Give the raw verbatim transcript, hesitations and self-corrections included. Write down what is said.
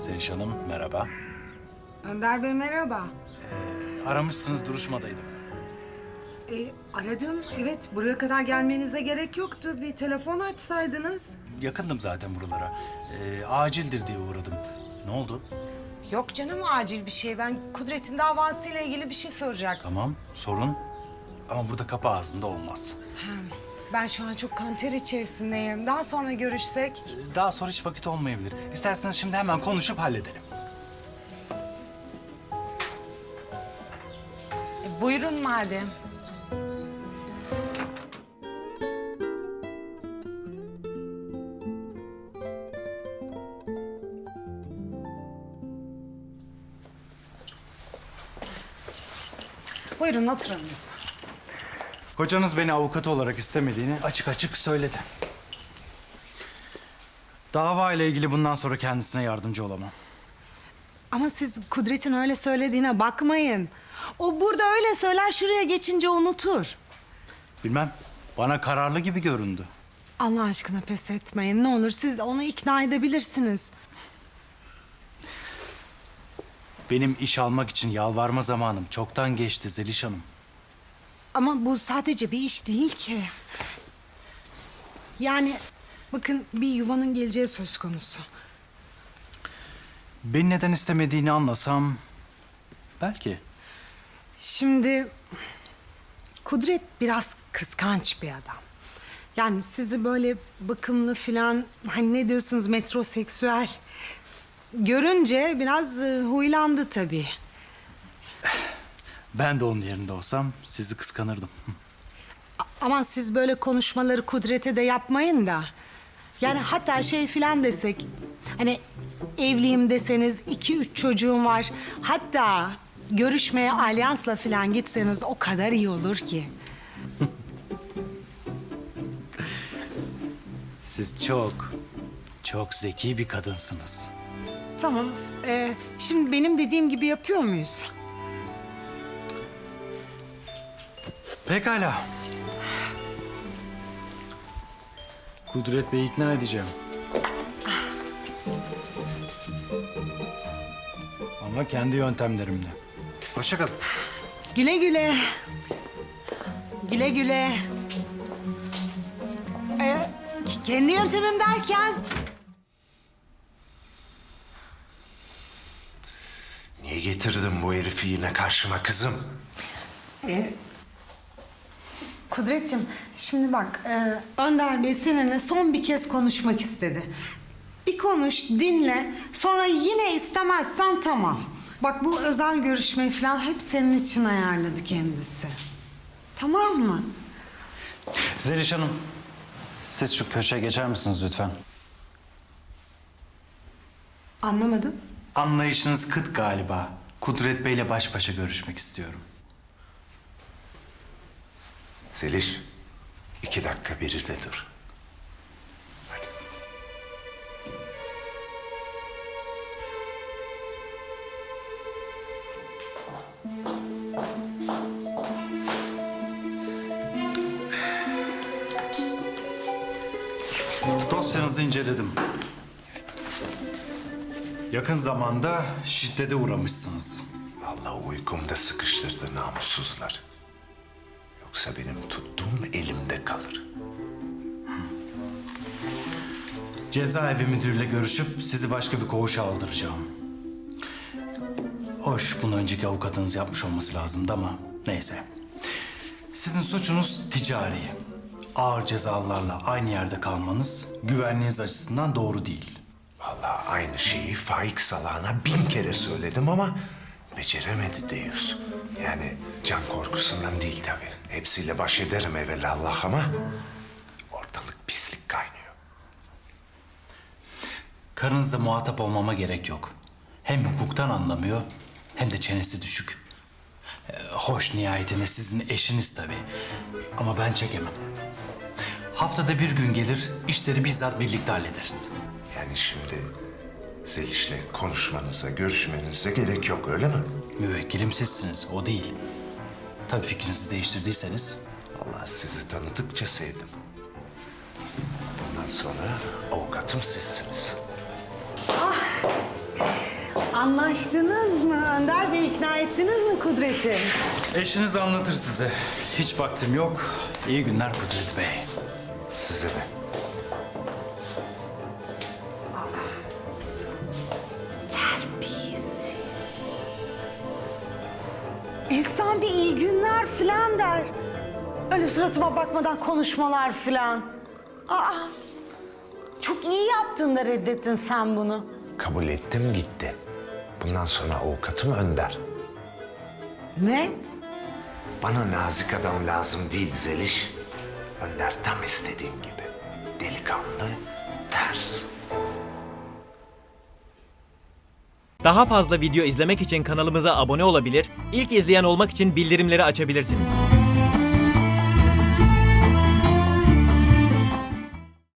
Zeliş Hanım, merhaba. Önder Bey merhaba. Aramışsınız, duruşmadaydım. E, aradım. Evet, buraya kadar gelmenize gerek yoktu. Bir telefon açsaydınız. Yakındım zaten buralara. Ee, acildir diye uğradım. Ne oldu? Yok canım, acil bir şey. Ben Kudret'in davasıyla ilgili bir şey soracaktım. Tamam, sorun. Ama burada kapı ağzında olmaz. Ben şu an çok kanter içerisindeyim. Daha sonra görüşsek. Ee, Daha sonra hiç vakit olmayabilir. İsterseniz şimdi hemen konuşup halledelim. E, buyurun madem. Buyurun oturun lütfen. Kocanız beni avukat olarak istemediğini açık açık söyledi. Dava ile ilgili bundan sonra kendisine yardımcı olamam. Ama siz Kudret'in öyle söylediğine bakmayın. O burada öyle söyler, şuraya geçince unutur. Bilmem, bana kararlı gibi göründü. Allah aşkına pes etmeyin. Ne olur siz onu ikna edebilirsiniz. Benim iş almak için yalvarma zamanım çoktan geçti Zeliş Hanım. Ama bu sadece bir iş değil ki. Yani bakın, bir yuvanın geleceği söz konusu. Beni neden istemediğini anlasam belki. Şimdi Kudret biraz kıskanç bir adam. Yani sizi böyle bakımlı filan, hani ne diyorsunuz, metroseksüel görünce biraz e, huylandı tabii. Ben de onun yerinde olsam sizi kıskanırdım. Ama siz böyle konuşmaları Kudret'e de yapmayın da. Yani hatta şey filan desek, hani evliyim deseniz, iki üç çocuğum var. Hatta görüşmeye alyansla filan gitseniz o kadar iyi olur ki. Siz çok, çok zeki bir kadınsınız. Tamam, ee, şimdi benim dediğim gibi yapıyor muyuz? Pekala. Kudret Bey'i ikna edeceğim. Ama kendi yöntemlerimle. Hoşça kalın. Güle güle. Güle güle. Ee, k- kendi yöntemim derken... Niye getirdin bu herifi yine karşıma kızım? Ee, Kudretciğim, şimdi bak, e, Önder Bey seninle son bir kez konuşmak istedi. Bir konuş, dinle, sonra yine istemezsen tamam. Bak, bu özel görüşmeyi falan hep senin için ayarladı kendisi. Tamam mı? Zeliş Hanım, siz şu köşeye geçer misiniz lütfen? Anlamadım. Anlayışınız kıt galiba. Kudret Bey'le baş başa görüşmek istiyorum. Zeliş, iki dakika biri de dur. Hadi. Dosyanızı inceledim. Yakın zamanda şiddete uğramışsınız. Vallahi uykumda sıkıştırdı namussuzlar. Yoksa benim tuttuğum elimde kalır. Cezaevi müdürüyle görüşüp sizi başka bir koğuşa aldıracağım. Hoş, bunu önceki avukatınız yapmış olması lazımdı ama neyse. Sizin suçunuz ticari. Ağır cezalarla aynı yerde kalmanız güvenliğiniz açısından doğru değil. Vallahi aynı şeyi Faik Salah'ına bin kere söyledim ama beceremedi Deyus. Yani can korkusundan değil tabii. Hepsiyle baş ederim evelallah ama ortalık pislik kaynıyor. Karınızla muhatap olmama gerek yok. Hem hukuktan anlamıyor hem de çenesi düşük. Ee, hoş, nihayetinde sizin eşiniz tabii. Ama ben çekemem. Haftada bir gün gelir, işleri bizzat birlikte hallederiz. Yani şimdi Zeliş'le konuşmanıza, görüşmenize gerek yok öyle mi? Müvekkilim sizsiniz, o değil. Tabii fikrinizi değiştirdiyseniz. Allah sizi tanıdıkça sevdim. Bundan sonra avukatım sizsiniz. Anlaştınız mı? Önder Bey ikna ettiniz mi Kudret'i? Eşiniz anlatır size. Hiç vaktim yok. İyi günler Kudret Bey. Size de. Terbiyesiz. İnsan bir iyi günler falan der. Öyle suratıma bakmadan konuşmalar falan. Aa, çok iyi yaptın da reddettin sen bunu. Kabul ettim gitti. Bundan sonra avukatım Önder. Ne? Bana nazik adam lazım değil Zeliş. Önder tam istediğim gibi. Delikanlı, ters. Daha fazla video izlemek için kanalımıza abone olabilir, ilk izleyen olmak için bildirimleri açabilirsiniz.